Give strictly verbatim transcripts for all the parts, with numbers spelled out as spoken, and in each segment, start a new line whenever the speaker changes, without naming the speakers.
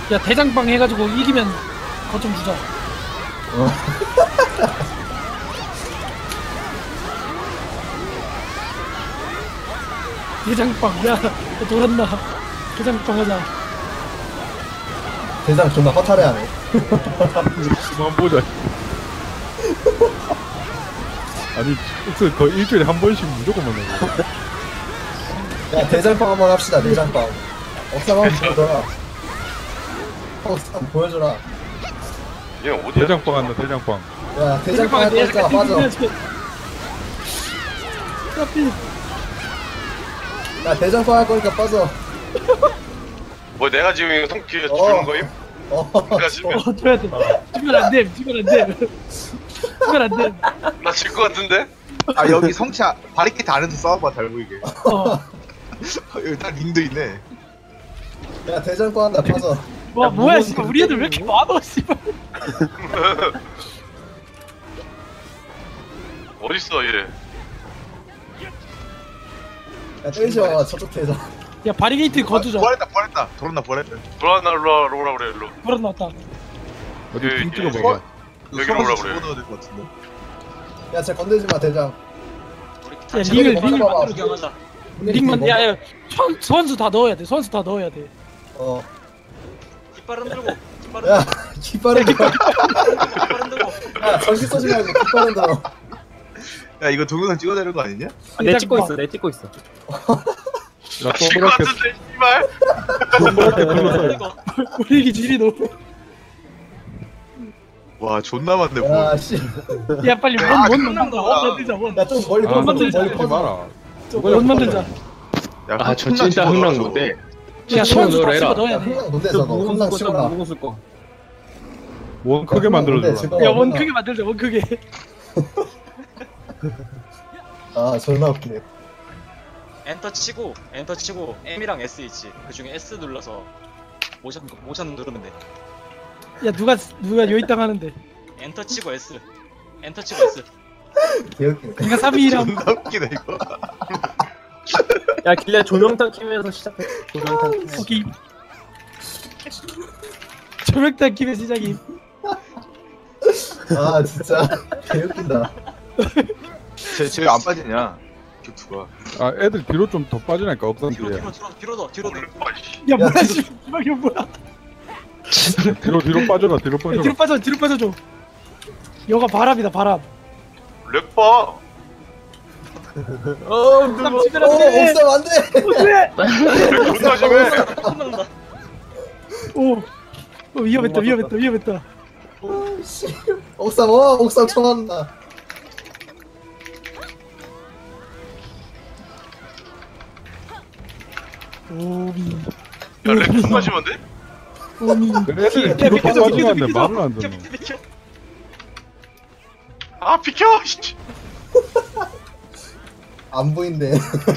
야 대장빵 해가지고 이기면 거좀 주자.
어.
대장빵 야 돌았나. 대장빵 하자.
대장 존나 허탈해하네.
그만 보자. 아니, 혹시 거의 일주일에 한 번씩 무조건 만나고.
야 대장빵 한번 합시다. 대장빵. 억상 한번 보여줘라. 억상 보여줘라.
얘 어디야?
대장빵 한다, 대장빵.
야 대장빵 할 거니까 빠져. 야 대장빵 할 거니까 빠져.
뭐 내가 지금 이거 통키에
어.
주는 거임?
어.
내가 지금
어 줘야 돼. 주면 안 돼. 주면 안 돼. 주면 안 돼.
나 질 것 같은데?
아 여기 성치 아- 바리케이트 안에서 싸워봐 잘 보이게.
어.
여기 딱 링도 있네.
야 대장빵 한다 빠져.
와 뭐야 씨발 우리 애들 왜 이렇게 많아 씨발.
어딨어 얘?
야 때리지 마. 저쪽 대장.
야 바리게이트 거두자.
부활했다 부활했다. 돌았나 부활했다.
돌아나 일로 오라 그래 일로.
돌아 나왔다.
어디
예,
핑
예.
찍어봐봐.
여기로 오라 그래.
집어넣어야 될 것 같은데.
야 쟤 건들지 마 대장.
야 링을 링을
봐봐.
만들어 경하자. 링만 야야 선수 다 넣어야 돼. 선수 다 넣어야 돼.
어.
깃발 흔들고 깃발
야 깃발은 들어.
깃발 흔들고
야 전기 쏘지 말고 깃발은 들어.
야 이거 동영상 찍어야 되는 거 아니냐?
아, 내 찍고 있어, 내 찍고 있어.
나
질 것
동그랗게,
같은데 씨발.
동그랗게 눌러서.
흔들고
우리 이게 질이 너무.
와 존나 많네. 뭐.
야 씨.
야 빨리
아,
원원
끝난
만들자.
거야.
원 만들자 원.
야 좀 멀리
아,
퍼져. 좀
만들자.
멀리
하지
퍼져.
마라.
원 만들자.
야,
아, 저
콩나
진짜
집어넣어,
흥난
저거.
건데.
야 선수 다
넣어라.
집어
야
넣어야 돼.
흥랑 뭔데 저거. 흥랑 치워라.
무궁수 거.
원 크게 만들어줘라.
야 원 크게 만들자. 원 크게.
아 존나 웃기네.
엔터 치고 엔터 치고 M이랑 S 있지. 그 중에 S 눌러서 모션 모션 누르면 돼.
야 누가 누가 요이땅 하는데.
엔터 치고 S. 엔터 치고 S.
개웃기네.
내가 삼 위랑
존나 웃기네 이거.
야, 길래 조명탄 키면서 시작해. 조명탄 키면서.
오케이. 조명탄 김의 시작임.
아 진짜 개웃긴다.
쟤쟤안 빠지냐? 격투가.
아, 애들 뒤로 좀 더 빠지니까
뒤로
억상들이.
뒤로 뒤로 뒤로 더 뒤로 더.
야 뭐야
야,
씨발 이거 뭐야.
뒤로, 뒤로 빠져라, 뒤로
야, 뒤로
빠져라.
빠져 뒤로 빠져줘. 여가 바람이다 바람.
렉 봐.
어,
남
어
치면 안 돼.
옥상 안돼.
왜?
렉 존나 심해.
끝난다.
오. 어, 위험했다 위험했다 위험했다.
씨. 옥상 어 옥상 청한다.
오미.
야렉 존나 심한데?
오미.
애들이 뒤로 더
비켜줘,
빠지는데
비켜줘,
말을 안
비켜
듣는.
비켜 비켜.
아 비켜. 씨.
안 보인대.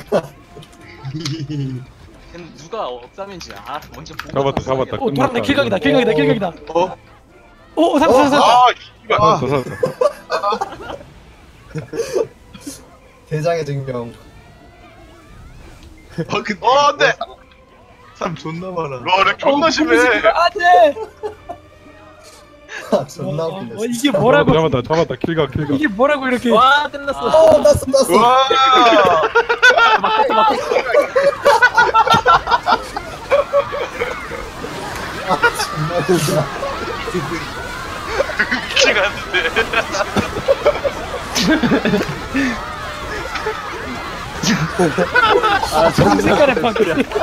걔는 누가 억삼인지 아 먼저 보고
잡았다,
나서
잡았다.
오 돌았네 킬각이다 킬각이다 킬각이다.
어?
오 삼 삼 삼.
아 씨발.
아, 더 샀어.
대장의 증명.
아 근데.
어 안돼.
사람 존나 많아.
와렉 존나 심해.
안돼.
아 존나 웃기네.
어, 이게 뭐라고?
잡았다, 잡았다, 킬각, 킬각.
이게 뭐라고 이렇게?
와, 끝났어.
어 났어 났어.
와.
아 존나 웃기다.
미치가 않는데.
아, 정색깔의 방.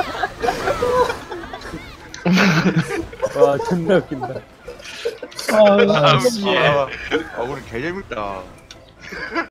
와, 존나 웃긴다.
아,
아,
씨.
예.
아, 아 우리 개 재밌다.